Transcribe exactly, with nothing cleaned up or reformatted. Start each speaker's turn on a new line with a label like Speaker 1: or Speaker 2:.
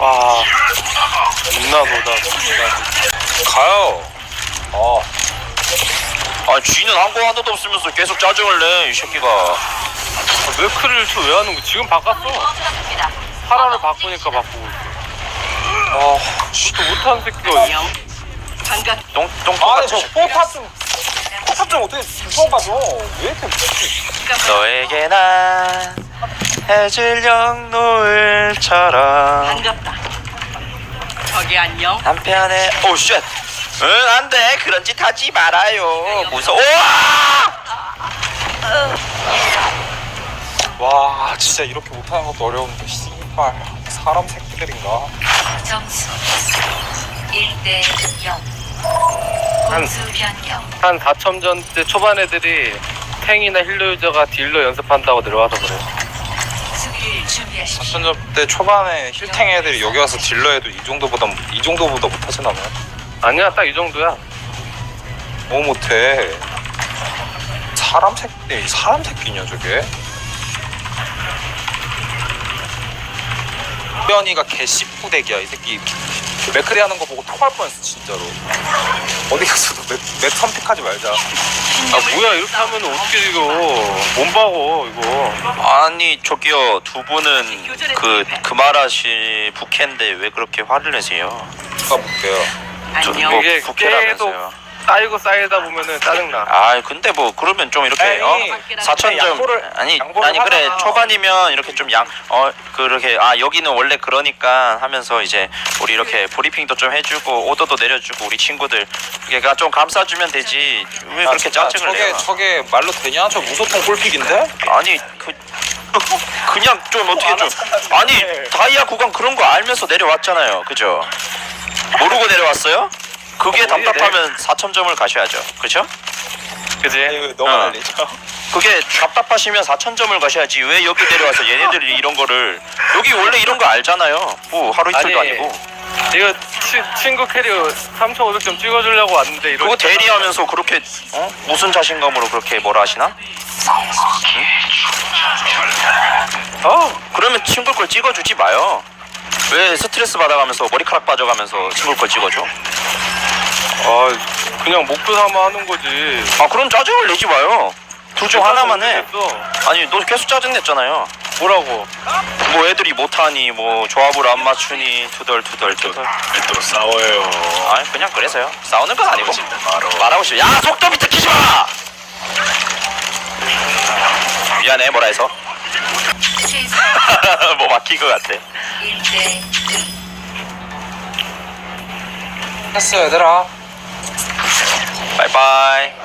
Speaker 1: 와, 존나 노다.
Speaker 2: 가요. 어.
Speaker 3: 아 쥐는 한 거 하나도 없으면서 계속 짜증을 내 이 새끼가.
Speaker 1: 아, 매크를 저 왜 하는 거? 지금 바꿨어. 파라를 바꾸니까 바꾸고 있어. 아, 진짜 못하는 새끼가.
Speaker 3: 똥, 똥
Speaker 2: 아니, 저
Speaker 3: 똑같이.
Speaker 2: 포탑 좀, 포탑 좀 어떻게 주워가죠? 왜 이렇게.
Speaker 3: 너에게 난 해질녘 노을처럼
Speaker 4: 반갑다. 저기 안녕.
Speaker 3: 한편에 오 쉣. 응 안돼 그런 짓 하지 말아요 무서워.
Speaker 2: 와, 진짜 이렇게 못하는 것도 어려운데, 씨발. 사람 새끼들인가?
Speaker 5: 점수 일 대 영.
Speaker 1: 한-
Speaker 5: 공수 변경.
Speaker 1: 한 사첨전 때 초반 애들이 탱이나 힐러 유저가 딜러 연습한다고 내려와서 그래.
Speaker 5: 수비를 준비하십시오.
Speaker 2: 사천점 때 초반에 힐탱 애들이 여기 와서 딜러 해도 이 정도보다, 이 정도보다 못하진 않아요?
Speaker 1: 아니야, 딱 이 정도야.
Speaker 2: 너무 못해. 사람 새끼, 사람 새끼냐, 저게? 현이가 개씨푸대기야, 이 새끼. 맥크리 하는 거 보고 토할 뻔했어, 진짜로. 어디 가서도 맥, 맥 선택하지 말자.
Speaker 1: 아, 뭐야, 이렇게 하면 어떻게 이거. 못 박어, 이거.
Speaker 3: 아니 저기요 두 분은 그 그마라시 부캐인데 왜 그렇게 화를 내세요?
Speaker 2: 누가 볼게요.
Speaker 3: 저,
Speaker 4: 안녕.
Speaker 3: 뭐
Speaker 1: 이게
Speaker 3: 부캐라면서요.
Speaker 1: 쌓이고 쌓이다 보면은 짜증나.
Speaker 3: 아 근데 뭐 그러면 좀 이렇게
Speaker 2: 아니,
Speaker 3: 어 사천점
Speaker 2: 양보를-
Speaker 3: 아니
Speaker 2: 양보를
Speaker 3: 아니 그래
Speaker 2: 하잖아.
Speaker 3: 초반이면 이렇게 좀 양 어 그렇게 아 여기는 원래 그러니까 하면서 이제 우리 이렇게 브리핑도 좀 해주고 오더도 내려주고 우리 친구들 그러니까 좀 감싸주면 되지 왜 그렇게
Speaker 2: 야,
Speaker 3: 짜증을
Speaker 2: 저게,
Speaker 3: 내요?
Speaker 2: 저게 말로 되냐? 저 무소통 골픽인데?
Speaker 3: 아니 그 그냥 좀 어떻게 좀 아니 다이아 구간 그런 거 알면서 내려왔잖아요 그죠? 모르고 내려왔어요? 그게 답답하면 사천점을 가셔야죠 그죠?
Speaker 1: 그지?
Speaker 2: 왜 너가
Speaker 3: 어.
Speaker 2: 날리죠?
Speaker 3: 그게 답답하시면 사천점을 가셔야지 왜 여기 내려와서 얘네들이 이런 거를 여기 원래 이런 거 알잖아요 뭐 하루 이틀도
Speaker 1: 아니,
Speaker 3: 아니고
Speaker 1: 이거 치, 친구 캐리어 삼천오백 점 찍어주려고 왔는데 이런.
Speaker 3: 그거 대리하면서 그렇게 어? 무슨 자신감으로 그렇게 뭐라 하시나?
Speaker 1: 어,
Speaker 3: 그러면 친구 걸 찍어주지 마요 왜 스트레스 받아가면서 머리카락 빠져가면서 친구 걸 찍어줘?
Speaker 1: 아, 그냥 목표 삼아 하는 거지.
Speaker 3: 아 그럼 짜증을 내지 마요 둘 중 하나만 해
Speaker 1: 모르겠어.
Speaker 3: 아니 너 계속 짜증 냈잖아요
Speaker 1: 뭐라고?
Speaker 3: 뭐 애들이 못하니 뭐 조합을 안 맞추니 투덜투덜 투덜
Speaker 6: 또 싸워요.
Speaker 3: 아 그냥 그래서요 싸우는 건 아니고 말하고 싶어 야 속도 밑에 키지 마 미안해 뭐라 해서
Speaker 5: 최소
Speaker 3: 뭐 막힌 것 같아
Speaker 5: 일 대 일.
Speaker 2: 했어, 얘들아.
Speaker 3: 바이바이